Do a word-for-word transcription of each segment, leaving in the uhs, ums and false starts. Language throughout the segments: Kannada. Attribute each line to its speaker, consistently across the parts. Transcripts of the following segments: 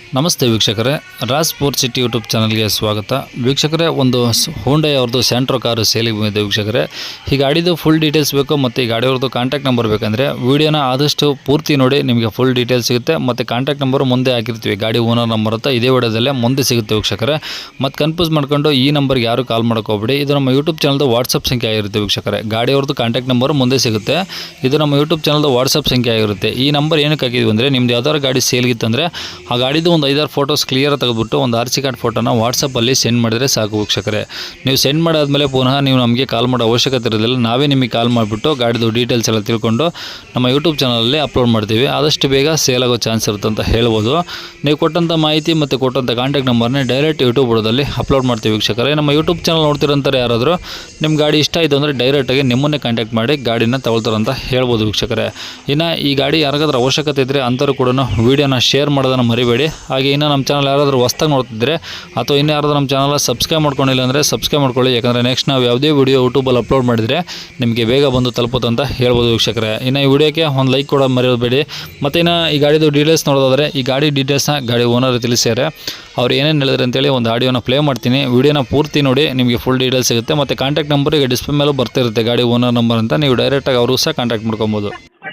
Speaker 1: ನಮಸ್ತೆ ವೀಕ್ಷಕರೇ, ರಾಜ್ ಫೋರ್ ಸಿಟಿ ಯೂಟ್ಯೂಬ್ ಚಾನಲ್ಗೆ ಸ್ವಾಗತ. ವೀಕ್ಷಕರೇ, ಒಂದು ಹೋಂಡೈ ಅವ್ರದ್ದು ಸ್ಯಾಂಟ್ರೋ ಕಾರು ಸೇಲಿಗೆ ಬಂದಿದೆ ವೀಕ್ಷಕರೇ. ಈ ಗಾಡಿದು ಫುಲ್ ಡೀಟೇಲ್ಸ್ ಬೇಕು ಮತ್ತು ಈ ಗಾಡಿಯವ್ರದ್ದು ಕಾಂಟ್ಯಾಕ್ಟ್ ನಂಬರ್ ಬೇಕಂದರೆ ವೀಡಿಯೋನ ಆದಷ್ಟು ಪೂರ್ತಿ ನೋಡಿ, ನಿಮಗೆ ಫುಲ್ ಡೀಟೇಲ್ಸ್ ಸಿಗುತ್ತೆ. ಮತ್ತು ಕಾಂಟ್ಯಾಕ್ಟ್ ನಂಬರು ಮುಂದೆ ಹಾಕಿರ್ತೀವಿ, ಗಾಡಿ ಓನರ್ ನಂಬರ್ ಅಂತ ಇದೇ ವಿಡಿಯೋದಲ್ಲೇ ಮುಂದೆ ಸಿಗುತ್ತೆ ವೀಕ್ಷಕರೇ. ಮತ್ತು ಕನ್ಫ್ಯೂಸ್ ಮಾಡ್ಕೊಂಡು ಈ ನಂಬರ್ಗೆ ಯಾರು ಕಾಲ್ ಮಾಡೋಕೋಗ್ಬೇಡಿ. ಇದು ನಮ್ಮ ಯೂಟ್ಯೂಬ್ ಚಾನಲ್ದು ವಾಟ್ಸಪ್ ಸಂಖ್ಯೆ ಆಗಿರುತ್ತೆ ವೀಕ್ಷಕರೇ. ಗಾಡಿಯವ್ರದ್ದು ಕಾಂಟ್ಯಾಕ್ಟ್ ನಂಬರು ಮುಂದೆ ಸಿಗುತ್ತೆ. ಇದು ನಮ್ಮ ಯೂಟ್ಯೂಬ್ ಚಾನಲ್ದು ವಾಟ್ಸಪ್ ಸಂಖ್ಯೆ ಆಗಿರುತ್ತೆ. ಈ ನಂಬರ್ ಏನಕ್ಕೆ ಹಾಕಿದ್ವಿ ಅಂದರೆ, ನಿಮ್ದು ಯಾವ್ದಾದ್ರು ಗಾಡಿ ಸೇಲ್ಗಿತ್ತಂದರೆ ಆ ಗಾಡಿದು ಒಂದು ಐದಾರು ಫೋಟೋಸ್ ಕ್ಲಿಯರ್ ತೆಗೆದುಬಿಟ್ಟು ಒಂದು ಆರ್ ಸಿ ಕಾರ್ಡ್ ಫೋಟೋನ ವಾಟ್ಸಪ್ಪಲ್ಲಿ ಸೆಂಡ್ ಮಾಡಿದರೆ ಸಾಕು ವೀಕ್ಷಕರೇ. ನೀವು ಸೆಂಡ್ ಮಾಡಾದ್ಮೇಲೆ ಪುನಃ ನೀವು ನಮಗೆ ಕಾಲ್ ಮಾಡೋ ಅವಶ್ಯಕತೆ ಇರೋದಿಲ್ಲ. ನಾವೇ ನಿಮಗೆ ಕಾಲ್ ಮಾಡಿಬಿಟ್ಟು ಗಾಡಿದು ಡೀಟೇಲ್ಸ್ ಎಲ್ಲ ತಿಳ್ಕೊಂಡು ನಮ್ಮ ಯೂಟ್ಯೂಬ್ ಚಾನಲಲ್ಲಿ ಅಪ್ಲೋಡ್ ಮಾಡ್ತೀವಿ. ಆದಷ್ಟು ಬೇಗ ಸೇಲ್ ಆಗೋ ಚಾನ್ಸ್ ಇರುತ್ತೆ ಅಂತ ಹೇಳ್ಬೋದು. ನೀವು ಕೊಟ್ಟಂಥ ಮಾಹಿತಿ ಮತ್ತು ಕೊಟ್ಟಂಥ ಕಾಂಟ್ಯಾಕ್ಟ್ ನಂಬರ್ನೇ ಡೈರೆಕ್ಟ್ ಯೂಟ್ಯೂಬ್ ಬುಡದಲ್ಲಿ ಅಪ್ಲೋಡ್ ಮಾಡ್ತೀವಿ ವೀಕ್ಷಕರೇ. ನಮ್ಮ ಯೂಟ್ಯೂಬ್ ಚಾನಲ್ ನೋಡ್ತಿರೋಂಥವ್ರು ಯಾರಾದರೂ ನಿಮ್ಮ ಗಾಡಿ ಇಷ್ಟ ಆಯಿತು ಅಂದರೆ ಡೈರೆಕ್ಟಾಗಿ ನಿಮ್ಮನ್ನೇ ಕಾಂಟ್ಯಾಕ್ಟ್ ಮಾಡಿ ಗಾಡಿನ ತಗೊಳ್ತಾರಂತ ಹೇಳ್ಬೋದು ವೀಕ್ಷಕರೇ. ಇನ್ನು ಈ ಗಾಡಿ ಯಾರಿಗಾದ್ರೂ ಅವಶ್ಯಕತೆ ಇದ್ದರೆ ಅಂಥವ್ರು ಕೂಡ ವೀಡಿಯೋನ ಶೇರ್ ಮಾಡೋದನ್ನು ಮರಿಬೇಡಿ. ಹಾಗೆ ಇನ್ನು ನಮ್ಮ ಚಾನಲ್ ಯಾರಾದರೂ ಹೊಸ್ದಾಗಿ ನೋಡ್ತಿದ್ರೆ ಅಥವಾ ಇನ್ನೂ ಯಾರಾದರೂ ನಮ್ಮ ಚಾನಲ್ ಸಬ್ಸ್ಕ್ರೈಬ್ ಮಾಡ್ಕೊಂಡಿಲ್ಲ ಅಂದರೆ ಸಬ್ಸ್ಕ್ರೈಬ್ ಮಾಡ್ಕೊಳ್ಳಿ. ಯಾಕಂದರೆ ನೆಕ್ಸ್ಟ್ ನಾವು ಯಾವುದೇ ವಿಡಿಯೋ ಯೂಟ್ಯೂಬಲ್ಲಿ ಅಪ್ಲೋಡ್ ಮಾಡಿದರೆ ನಿಮಗೆ ಬೇಗ ಬಂದು ತಲುಪುತ್ತೆ ಅಂತ ಹೇಳ್ಬೋದು ವೀಕ್ಷಕರೇ. ಇನ್ನು ಈ ವಿಡಿಯೋಕ್ಕೆ ಒಂದು ಲೈಕ್ ಕೂಡ ಮರೆಯಬೇಡಿ. ಮತ್ತು ಇನ್ನು ಈ ಗಾಡಿದು ಡೀಟೇಲ್ಸ್ ನೋಡೋದಾದರೆ, ಈ ಗಾಡಿ ಡೀಟೇಲ್ಸ್ನ ಗಾಡಿ ಓನರ್ ತಿಳಿಸ್ಯಾರೆ. ಅವ್ರು ಏನೇನು ಹೇಳಿದ್ರೆ ಅಂತೇಳಿ ಒಂದು ಆಡಿಯೋನ ಪ್ಲೇ ಮಾಡ್ತೀನಿ. ವಿಡಿಯೋನ ಪೂರ್ತಿ ನೋಡಿ, ನಿಮಗೆ ಫುಲ್ ಡೀಟೇಲ್ಸ್ ಸಿಗುತ್ತೆ. ಮತ್ತು ಕಾಂಟ್ಯಾಕ್ಟ್ ನಂಬರ್ ಈಗ ಡಿಸ್ಪ್ಲೇ ಮೇಲೂ ಬರ್ತಿರುತ್ತೆ, ಗಾಡಿ ಓನರ್ ನಂಬರ್ ಅಂತ. ನೀವು ಡೈರೆಕ್ಟಾಗಿ ಅವರು ಸಹ ಕಾಂಟ್ಯಾಕ್ಟ್ ಮಾಡ್ಕೊಬೋದು.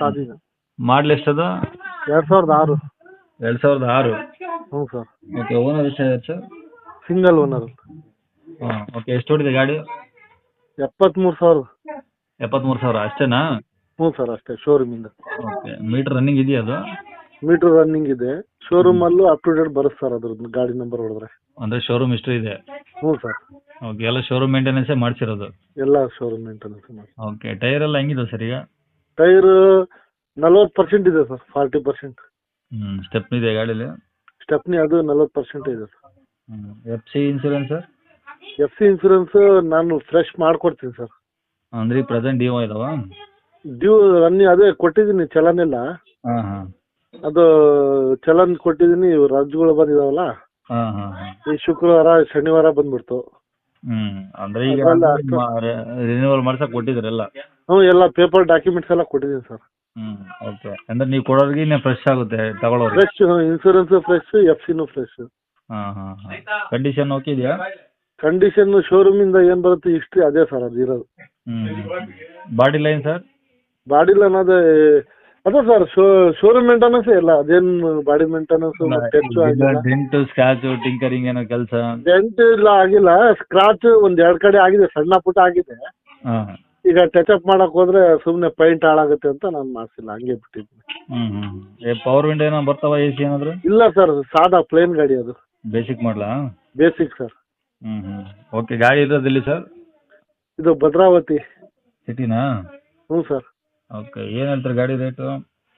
Speaker 1: ಮಾಡಲ್ ಎಷ್ಟದು?
Speaker 2: ಎರಡು ಸಾವಿರದ ಆರು.
Speaker 1: ಎರಡು ಸಾವಿರದ ಆರು
Speaker 2: ಹ್ಞೂ ಸರ್.
Speaker 1: ಓಕೆ. ಓನರ್ ಎಷ್ಟಾಗಿದೆ ಸರ್?
Speaker 2: Single owner.
Speaker 1: ಹಾಂ, ಓಕೆ. ಎಷ್ಟು ಹೊಡಿದೆ ಗಾಡಿ?
Speaker 2: ಎಪ್ಪತ್ತ್ಮೂರು ಸಾವಿರ.
Speaker 1: ಎಪ್ಪತ್ತ್ಮೂರು ಸಾವಿರ ಅಷ್ಟೇನಾ?
Speaker 2: ಹ್ಞೂ ಸರ್, ಅಷ್ಟೇ. ಶೋರೂಮಿಂದ.
Speaker 1: ಓಕೆ. ಮೀಟ್ರ್ ರನ್ನಿಂಗ್ ಇದೆಯಾ ಅದು?
Speaker 2: ಮೀಟ್ರ್ ರನ್ನಿಂಗ್ ಇದೆ. ಶೋರೂಮಲ್ಲೂ ಅಪ್ ಟು ಡೇಟ್ ಬರುತ್ತೆ ಸರ್ ಅದ್ರದ್ದು ಗಾಡಿ ನಂಬರ್ ಹೊಡೆದ್ರೆ.
Speaker 1: ಅಂದರೆ ಶೋರೂಮ್ ಇಷ್ಟು ಇದೆ?
Speaker 2: ಹ್ಞೂ ಸರ್.
Speaker 1: ಓಕೆ. ಎಲ್ಲ ಶೋರೂಮ್ ಮೇಂಟೆನೆನ್ಸೇ ಮಾಡಿಸಿರೋದು?
Speaker 2: ಎಲ್ಲ ಶೋರೂಮ್ ಮೇಂಟೆನೆನ್ಸ್ ಮಾಡಿ.
Speaker 1: ಓಕೆ. ಟೈರ್ ಎಲ್ಲ ಹೆಂಗಿದೆ ಸರ್ ಈಗ?
Speaker 2: ಟೈರ್ ನಲ್ವತ್ತು ಪರ್ಸೆಂಟ್ ಇದೆ ಸರ್, ಫಾರ್ಟಿ ಪರ್ಸೆಂಟ್.
Speaker 1: ಹ್ಞೂ. ಸ್ಟೆಪ್ನಿ ಇದೆ ಗಾಡೀಲಿ?
Speaker 2: ಸ್ಟೆಪ್ನಿ ಅದು ನಲ್ವತ್ತು ಪರ್ಸೆಂಟ್ ಇದೆ ಸರ್.
Speaker 1: ಹ್ಞೂ. F C insurance sir?
Speaker 2: F C insurance ನಾನು ಫ್ರೆಶ್ ಮಾಡ್ಕೊಡ್ತೀನಿ ಸರ್.
Speaker 1: ಅಂದ್ರೆ ಈಗ ಪ್ರೆಸೆಂಟ್ ಡ್ಯೂ ಇದಾವ?
Speaker 2: ಡ್ಯೂ ರನ್ನಿಂಗ್ ಅದೇ ಕೊಟ್ಟಿದ್ದೀನಿ, ಚಲನ್ ಎಲ್ಲ.
Speaker 1: ಹಾಂ ಹಾಂ.
Speaker 2: ಅದು ಚಲನ್ ಕೊಟ್ಟಿದ್ದೀನಿ. ರಜೆಗಳು ಬಂದಿದಾವಲ್ಲ,
Speaker 1: ಹಾಂ ಹಾಂ ಹಾಂ.
Speaker 2: ಈ ಶುಕ್ರವಾರ ಶನಿವಾರ ಬಂದ್ಬಿಡ್ತು.
Speaker 1: ಹ್ಞೂ. ಅಂದರೆ ಈಗ
Speaker 2: ಅದೆಲ್ಲ
Speaker 1: ರಿನ್ಯೂವಲ್ ಮಾಡ್ಸಕ್ಕೆ ಕೊಟ್ಟಿದ್ರಲ್ಲ?
Speaker 2: ಹ್ಞೂ, ಎಲ್ಲ ಪೇಪರ್ ಡಾಕ್ಯುಮೆಂಟ್ಸ್ ಎಲ್ಲ ಕೊಟ್ಟಿದ್ದೀನಿ ಸರ್.
Speaker 1: ಹ್ಞೂ. ಓಕೆ. ಅಂದರೆ ನೀವು ಕೊಡೋರಿಗೆ ಫ್ರೆಶ್ ಆಗುತ್ತೆ ತಗೊಳ್ಳೋರಿಗೆ?
Speaker 2: ಫ್ರೆಶ್ ಇನ್ಸೂರೆನ್ಸ್ ಫ್ರೆಶ್, ಎಫ್ ಸಿನೂ ಫ್ರೆಶ್.
Speaker 1: ಹಾಂ ಹಾಂ ಹಾಂ. ಕಂಡೀಷನ್ ಓಕೆ ಇದೆಯಾ?
Speaker 2: ಕಂಡೀಷನ್ ಶೋರೂಮಿಂದ ಏನು ಬರುತ್ತೆ ಹಿಸ್ಟ್ರಿ ಅದೇ ಸರ್ ಅದು ಇರೋದು.
Speaker 1: ಹ್ಞೂ. Body line sir?
Speaker 2: Body line ಅದೇ ಅದೇ ಸರ್, ಶೋ ಶೋರೂಮ್ ಮೇಂಟೆನೆನ್ಸ್ ಎಲ್ಲ ಅದೇನು ಬಾಡಿ ಮೇಂಟೆನೆನ್ಸ್ ಟೆಚ್ ಆಗಿಲ್ಲ.
Speaker 1: ಡೆಂಟು ಸ್ಕ್ರಾಚು ಟಿಂಕರಿಂಗ್ ಏನೋ ಕೆಲಸ?
Speaker 2: ಡೆಂಟ್ ಇಲ್ಲ, ಆಗಿಲ್ಲ. ಸ್ಕ್ರಾಚ್ ಒಂದ್ ಎರಡು ಕಡೆ ಆಗಿದೆ, ಸಣ್ಣ ಪುಟ್ಟ ಆಗಿದೆ.
Speaker 1: ಹಾಂ.
Speaker 2: ಈಗ ಟಚ್ ಅಪ್ ಮಾಡಕ್ ಹೋದ್ರೆ ಸುಮ್ಮನೆ ಪೈಂಟ್ ಹಾಳಾಗುತ್ತೆ ಅಂತ ನಾನು ಮಾಡಿಸಿಲ್ಲ, ಹಂಗೆ ಬಿಟ್ಟಿದ್ದೀನಿ.
Speaker 1: ಹ್ಞೂ ಹ್ಞೂ. ಪವರ್ ವಿಂಡೋ ಏನೋ ಬರ್ತಾವ, ಎ ಸಿ ಏನಾದರೂ?
Speaker 2: ಇಲ್ಲ ಸರ್, ಸಾದಾ ಪ್ಲೇನ್ ಗಾಡಿ ಅದು.
Speaker 1: ಬೇಸಿಕ್ ಮಾಡಲಾ?
Speaker 2: Basic sir.
Speaker 1: ಹ್ಞೂ ಹ್ಞೂ. ಓಕೆ. ಗಾಡಿ ಇರೋದಿಲ್ಲಿ ಸರ್?
Speaker 2: ಇದು ಭದ್ರಾವತಿ
Speaker 1: ಸಿಟಿನಾ?
Speaker 2: ಹ್ಞೂ ಸರ್.
Speaker 1: ಓಕೆ. ಏನು ಹೇಳ್ತಾರೆ ಗಾಡಿ ರೇಟು?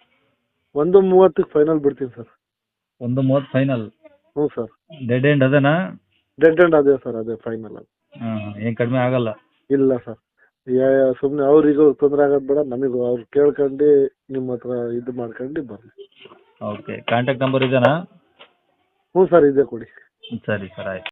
Speaker 2: ಒಂದು ಮೂವತ್ತಕ್ಕೆ ಫೈನಲ್ ಬಿಡ್ತೀನಿ ಸರ್.
Speaker 1: ಒಂದು ಮೂವತ್ತು ಫೈನಲ್?
Speaker 2: ಹ್ಞೂ ಸರ್.
Speaker 1: ಡೆಡ್ ಎಂಡ್ ಅದೇನಾ?
Speaker 2: ಡೆಡ್ ಎಂಡ್ ಅದೇ ಸರ್, ಅದೇ ಫೈನಲ್ ಅದು.
Speaker 1: ಹಾಂ ಹಾಂ. ಏನು ಕಡಿಮೆ ಆಗಲ್ಲ?
Speaker 2: ಇಲ್ಲ ಸರ್. ಸುಮ್ಮನೆ ಅವ್ರಿಗೂ ತೊಂದರೆ ಆಗೋದು ಬೇಡ, ನಮಗೂ ಅವ್ರು ಕೇಳ್ಕೊಂಡು ನಿಮ್ಮ ಹತ್ರ ಇದು ಮಾಡ್ಕೊಂಡು ಬರಲಿ.
Speaker 1: ಓಕೆ. ಕಾಂಟ್ಯಾಕ್ಟ್ ನಂಬರ್ ಇದೆನಾ?
Speaker 2: ಹ್ಞೂ ಸರ್, ಇದೆ ಕೊಡಿ.
Speaker 1: ಸರಿ ಸರ್, ಆಯ್ತು.